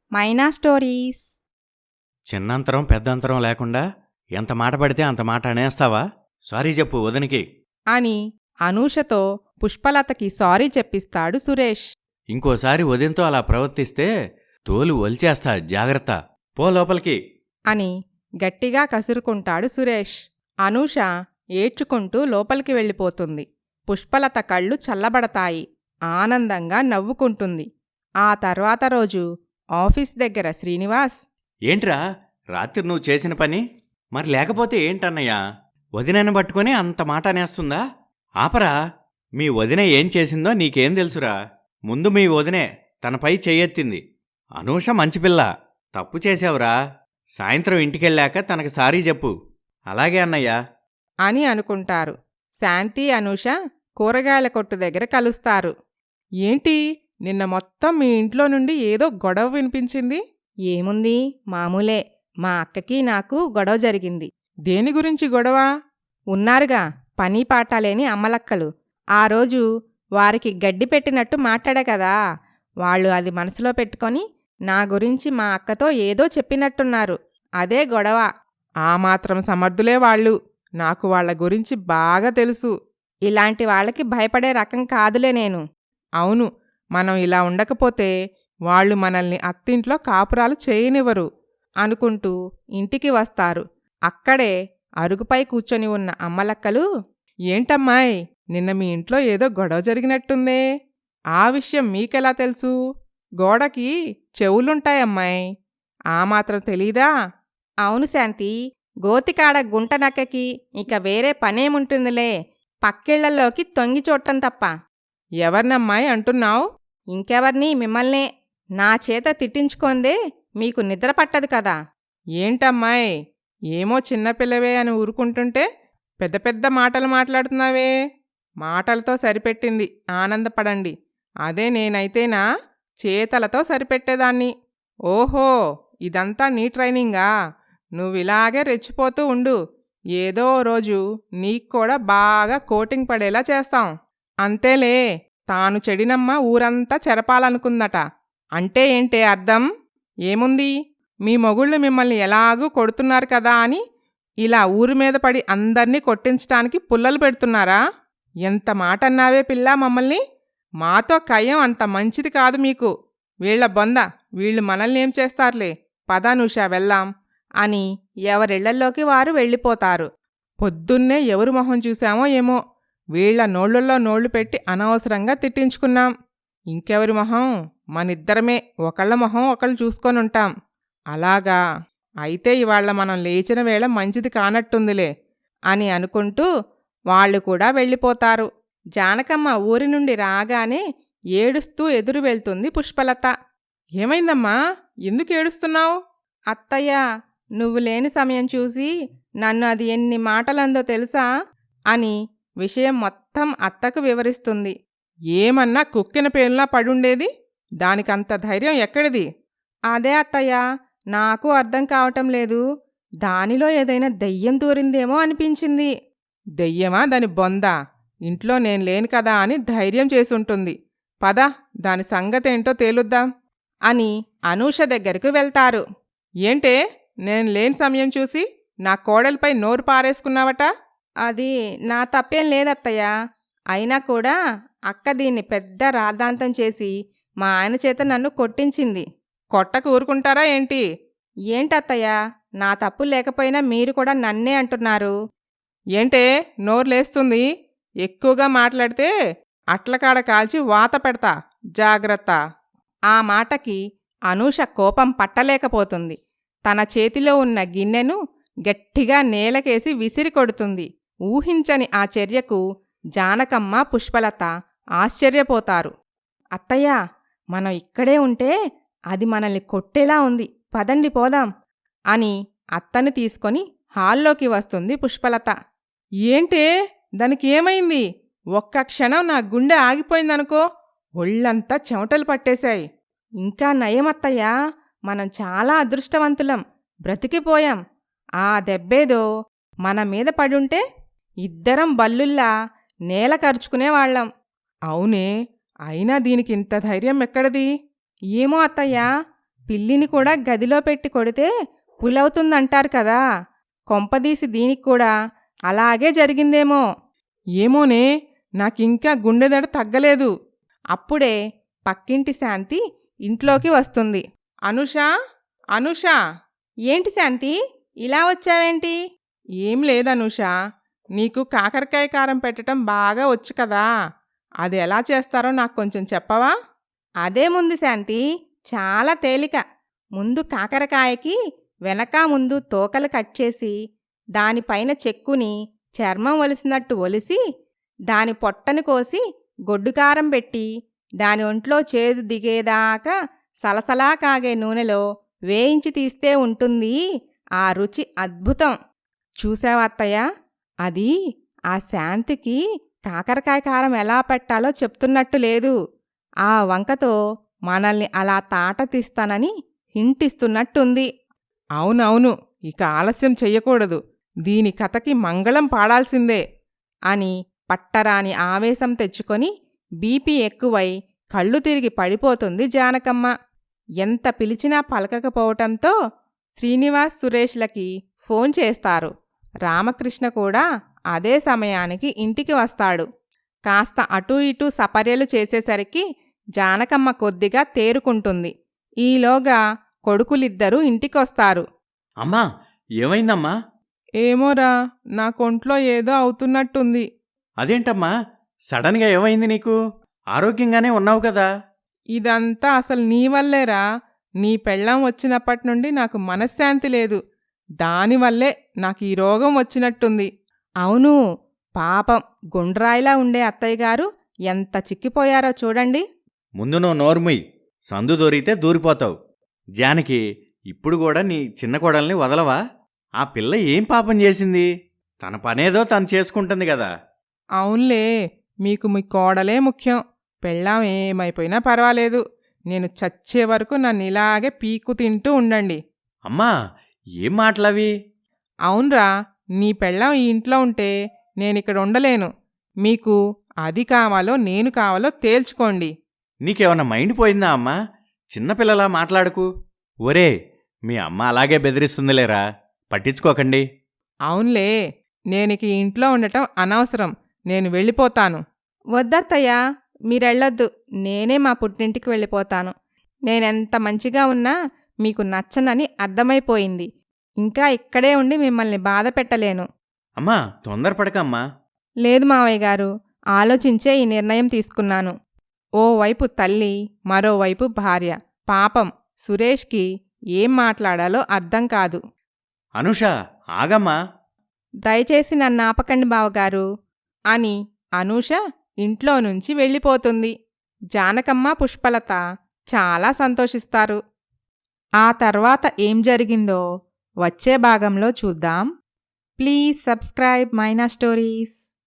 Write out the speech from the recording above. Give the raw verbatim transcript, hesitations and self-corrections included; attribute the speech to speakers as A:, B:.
A: మైనా stories.
B: చిన్నంతరం పెద్దంతరం లేకుండా ఎంత మాట పడితే అంత మాట అనేస్తావా? సారీ చెప్పు వదినికి
C: అని అనూషతో పుష్పలతకి సారీ చెప్పిస్తాడు సురేష్.
B: ఇంకోసారి వదినతో అలా ప్రవర్తిస్తే తోలు ఒలిచేస్తా, జాగ్రత్త, పో లోపలికి
C: అని గట్టిగా కసురుకుంటాడు సురేష్. అనూష ఏడ్చుకుంటూ లోపలికి వెళ్ళిపోతుంది. పుష్పలత కళ్ళు చల్లబడతాయి. ఆనందంగా నవ్వుకుంటుంది. ఆ తర్వాత రోజు ఆఫీస్ దగ్గర శ్రీనివాస్,
B: ఏంట్రా రాత్రి నువ్వు చేసిన పని? మరి లేకపోతే ఏంటన్నయ్యా, వదినని పట్టుకుని అంత మాట అనేస్తుందా? ఆపరా, మీ వదిన ఏం చేసిందో నీకేం తెలుసురా? ముందు మీ వదినే తనపై చెయ్యెత్తింది. అనూష మంచిపిల్ల, తప్పు చేశావురా. సాయంత్రం ఇంటికెళ్ళాక తనకు సారీ చెప్పు. అలాగే అన్నయ్యా
C: అని అనుకుంటారు. శాంతి, అనూష కూరగాయల కొట్టు దగ్గర కలుస్తారు. ఏంటి, నిన్న మొత్తం మీ ఇంట్లో నుండి ఏదో గొడవ వినిపించింది?
A: ఏముంది, మామూలే. మా అక్కకి నాకు గొడవ జరిగింది.
C: దేని గురించి గొడవ?
A: ఉన్నారుగా పని పాటాలేని అమ్మలక్కలు. ఆ రోజు వారికి గడ్డి పెట్టినట్టు మాట్లాడా కదా, వాళ్ళు అది మనసులో పెట్టుకొని నా గురించి మా అక్కతో ఏదో చెప్పినట్టున్నారు. అదే గొడవ.
C: ఆ మాత్రం సమర్థులే వాళ్ళు. నాకు వాళ్ల గురించి బాగా తెలుసు.
A: ఇలాంటి వాళ్ళకి భయపడే రకం కాదులే నేను.
C: అవును, మనం ఇలా ఉండకపోతే వాళ్ళు మనల్ని అత్తింట్లో కాపురాలు చేయనివ్వరు
A: అనుకుంటూ ఇంటికి వస్తారు. అక్కడే అరుగుపై కూర్చొని ఉన్న అమ్మలక్కలు,
C: ఏంటమ్మాయ్, నిన్న మీ ఇంట్లో ఏదో గొడవ జరిగినట్టుందే. ఆ విషయం మీకెలా తెలుసు? గోడకి చెవులుంటాయమ్మాయ్, ఆ మాత్రం తెలీదా?
A: అవును శాంతి, గోతికాడ గుంట నక్కకి ఇక వేరే పనేముంటుందిలే, పక్కిళ్లలోకి తొంగి చూడటం తప్ప.
C: ఎవరినమ్మాయి అంటున్నావు?
A: ఇంకెవర్ని, మిమ్మల్నే. నా చేత తిట్టించుకోందే మీకు నిద్ర పట్టదు కదా.
C: ఏంటమ్మాయ్, ఏమో చిన్నపిల్లవే అని ఊరుకుంటుంటే పెద్ద పెద్ద మాటలు మాట్లాడుతున్నావే. మాటలతో సరిపెట్టింది, ఆనందపడండి. అదే నేనైతేనా చేతలతో సరిపెట్టేదాన్ని. ఓహో, ఇదంతా నీ ట్రైనింగా? నువ్విలాగే రెచ్చిపోతూ ఉండు. ఏదో రోజు నీక్కూడా బాగా కోటింగ్ పడేలా చేస్తాం. అంతేలే, తాను చెడినమ్మ ఊరంతా చెరపాలనుకుందట. అంటే ఏంటే అర్థం? ఏముంది, మీ మొగుళ్ళు మిమ్మల్ని ఎలాగూ కొడుతున్నారు కదా అని ఇలా ఊరి మీద పడి అందర్నీ కొట్టించటానికి పుల్లలు పెడుతున్నారా? ఎంత మాటన్నావే పిల్లా మమ్మల్ని. మాతో కయ్యం అంత మంచిది కాదు మీకు. వీళ్ల బొంద, వీళ్ళు మనల్ని ఏం చేస్తారులే. పదానుషా వెళ్దాం
A: అని ఎవరిళ్లల్లోకి వారు వెళ్ళిపోతారు.
C: పొద్దున్నే ఎవరు మొహం చూశామో ఏమో, వీళ్ల నోళ్లలో నోళ్లు పెట్టి అనవసరంగా తిట్టించుకున్నాం. ఇంకెవరి మొహం? మనిద్దరమే ఒకళ్ళ మొహం ఒకళ్ళు చూసుకొనుంటాం. అలాగా, అయితే ఇవాళ మనం లేచిన వేళ మంచిది కానట్టుందిలే
A: అని అనుకుంటూ వాళ్ళు కూడా వెళ్ళిపోతారు. జానకమ్మ ఊరి నుండి రాగానే ఏడుస్తూ ఎదురు వెళ్తుంది పుష్పలత.
C: ఏమైందమ్మా, ఎందుకు ఏడుస్తున్నావు?
A: అత్తయ్య, నువ్వు లేని సమయం చూసి నన్ను అది ఎన్ని మాటలందో తెలుసా అని విషయం మొత్తం అత్తకు వివరిస్తుంది.
C: ఏమన్నా కుక్కిన పేలులా పడుండేది? దానికంత ధైర్యం ఎక్కడిది?
A: అదే అత్తయ్య, నాకు అర్థం కావటం లేదు. దానిలో ఏదైనా దెయ్యం దూరిందేమో అనిపించింది.
C: దెయ్యమా దాని బొందా? ఇంట్లో నేను లేను కదా అని ధైర్యం చేసుంటుంది. పద, దాని సంగతేంటో తేలుద్దాం
A: అని అనూష దగ్గరకు వెళ్తారు.
C: ఏంటే, నేను లేని సమయం చూసి నా కోడలిపై నోరు పారేసుకున్నావట?
A: అది నా తప్పేం లేదత్తయ్య. అయినా కూడా అక్క దీన్ని పెద్ద రాద్ధాంతం చేసి మా ఆయన చేత నన్ను కొట్టించింది.
C: కొట్టకు ఊరుకుంటారా ఏంటి?
A: ఏంటత్తయ్య, నా తప్పు లేకపోయినా మీరు కూడా నన్నే అంటున్నారు.
C: ఏంటే నోరు లేస్తుంది? ఎక్కువగా మాట్లాడితే అట్లకాడ కాల్చి వాత పెడతా, జాగ్రత్త.
A: ఆ మాటకి అనూష కోపం పట్టలేకపోతుంది. తన చేతిలో ఉన్న గిన్నెను గట్టిగా నేలకేసి విసిరి కొడుతుంది. ఊహించని ఆ చర్యకు జానకమ్మ, పుష్పలత ఆశ్చర్యపోతారు. అత్తయ్య, మనం ఇక్కడే ఉంటే అది మనల్ని కొట్టేలా ఉంది, పదండి పోదాం అని అత్తని తీసుకొని హాల్లోకి వస్తుంది పుష్పలత.
C: ఏంటే, దానికి ఏమైంది? ఒక్క క్షణం నా గుండె ఆగిపోయిందనుకో, ఒళ్ళంతా చెమటలు పట్టేశాయి.
A: ఇంకా నయమత్తయ్యా, మనం చాలా అదృష్టవంతులం, బ్రతికిపోయాం. ఆ దెబ్బేదో మన మీద పడుంటే ఇద్దరం బల్లుల్లా నేల కరుచుకునేవాళ్లం.
C: అవునే, అయినా దీనికి ఇంత ధైర్యం ఎక్కడిది?
A: ఏమో అత్తయ్యా, పిల్లిని కూడా గదిలో పెట్టి కొడితే పులవుతుందంటారు కదా, కొంపదీసి దీనికి కూడా అలాగే జరిగిందేమో.
C: ఏమోనే, నాకింకా గుండెదడ తగ్గలేదు.
A: అప్పుడే పక్కింటి శాంతి ఇంట్లోకి వస్తుంది.
C: అనుషా, అనుషా.
A: ఏంటి శాంతి, ఇలా వచ్చావేంటి?
C: ఏం లేదనుషా, నీకు కాకరకాయ కారం పెట్టడం బాగా వచ్చు కదా, అది ఎలా చేస్తారో నాకు కొంచెం చెప్పవా?
A: అదేముంది శాంతి, చాలా తేలిక. ముందు కాకరకాయకి వెనక ముందు తోకలు కట్ చేసి దానిపైన చెక్కుని చర్మం ఒలిసినట్టు ఒలిసి దాని పొట్టను కోసి గొడ్డుకారం పెట్టి దాని ఒంట్లో చేదు దిగేదాకా సలసలా కాగే నూనెలో వేయించి తీస్తే ఉంటుంది ఆ రుచి అద్భుతం. చూసావా అత్తయ్య, అది ఆ శాంతికి కాకరకాయ కారం ఎలా పెట్టాలో చెప్తున్నట్టు లేదు, ఆ వంకతో మనల్ని అలా తాట తీస్తానని హింటిస్తున్నట్టుంది.
C: అవునవును, ఇక ఆలస్యం చెయ్యకూడదు, దీని కథకి మంగళం పాడాల్సిందే
A: అని పట్టరాని ఆవేశం తెచ్చుకొని బీపీ ఎక్కువై కళ్ళు తిరిగి పడిపోతుంది జానకమ్మ. ఎంత పిలిచినా పలకకపోవటంతో శ్రీనివాస్ సురేష్లకి ఫోన్ చేస్తారు. రామకృష్ణ కూడా అదే సమయానికి ఇంటికి వస్తాడు. కాస్త అటూ ఇటూ సపర్యలు చేసేసరికి జానకమ్మ కొద్దిగా తేరుకుంటుంది. ఈలోగా కొడుకులిద్దరూ ఇంటికొస్తారు.
B: అమ్మా, ఏమైందమ్మా?
C: ఏమోరా, నా కొంట్లో ఏదో అవుతున్నట్టుంది.
B: అదేంటమ్మా, సడన్గా ఏమైంది నీకు? ఆరోగ్యంగానే ఉన్నావు కదా.
C: ఇదంతా అసలు నీ వల్లేరా. నీ పెళ్ళాం వచ్చినప్పటి నుండి నాకు మనశ్శాంతి లేదు, దానివల్లే నాకు ఈ రోగం వచ్చినట్టుంది.
A: అవును, పాపం గుండ్రాయిలా ఉండే అత్తయ్యగారు ఎంత చిక్కిపోయారో చూడండి.
B: ముందు నువ్వు నోర్ముయ్, సందు దొరికితే దూరిపోతావు. జానకి, ఇప్పుడు కూడా నీ చిన్న కోడల్ని వదలవా? ఆ పిల్ల ఏం పాపం చేసింది? తన పనేదో తను చేసుకుంటుంది కదా.
C: అవునులే, మీకు మీ కోడలే ముఖ్యం. పెళ్ళాం ఏమైపోయినా పర్వాలేదు, నేను చచ్చే వరకు నన్ను ఇలాగే పీకు తింటూ ఉండండి.
B: అమ్మా, ఏం మాటలవి?
C: అవునరా, నీ పెళ్ళాం ఈ ఇంట్లో ఉంటే నేనిక్కడ ఉండలేను. మీకు అది కావాలో నేను కావాలో తేల్చుకోండి.
B: నీకేమన్నా మైండ్ పోయిందా అమ్మా? చిన్నపిల్లలా మాట్లాడుకు. ఒరే, మీ అమ్మ అలాగే బెదిరిస్తుందిలేరా, పట్టించుకోకండి.
C: అవునులే, నేనిక ఈ ఇంట్లో ఉండటం అనవసరం, నేను వెళ్ళిపోతాను.
A: వద్దత్తయ్యా, మీరెళ్ళొద్దు, నేనే మా పుట్టింటికి వెళ్ళిపోతాను. నేనెంత మంచిగా ఉన్నా మీకు నచ్చనని అర్థమైపోయింది. ఇంకా ఇక్కడే ఉండి మిమ్మల్ని బాధ పెట్టలేను.
B: అమ్మా, తొందరపడకమ్మా.
A: లేదు మావయ్య గారు, ఆలోచించే ఈ నిర్ణయం తీసుకున్నాను. ఓవైపు తల్లి, మరోవైపు భార్య. పాపం సురేష్కి ఏం మాట్లాడాలో అర్థం కాదు.
B: అనుష, ఆగమ్మా.
A: దయచేసి నన్ను ఆపకండి బావగారు అని అనూష ఇంట్లో నుంచి వెళ్ళిపోతుంది. జానకమ్మ, పుష్పలత చాలా సంతోషిస్తారు. ఆ తర్వాత ఏం జరిగిందో వచ్చే భాగంలో చూద్దాం. Please subscribe Maina stories.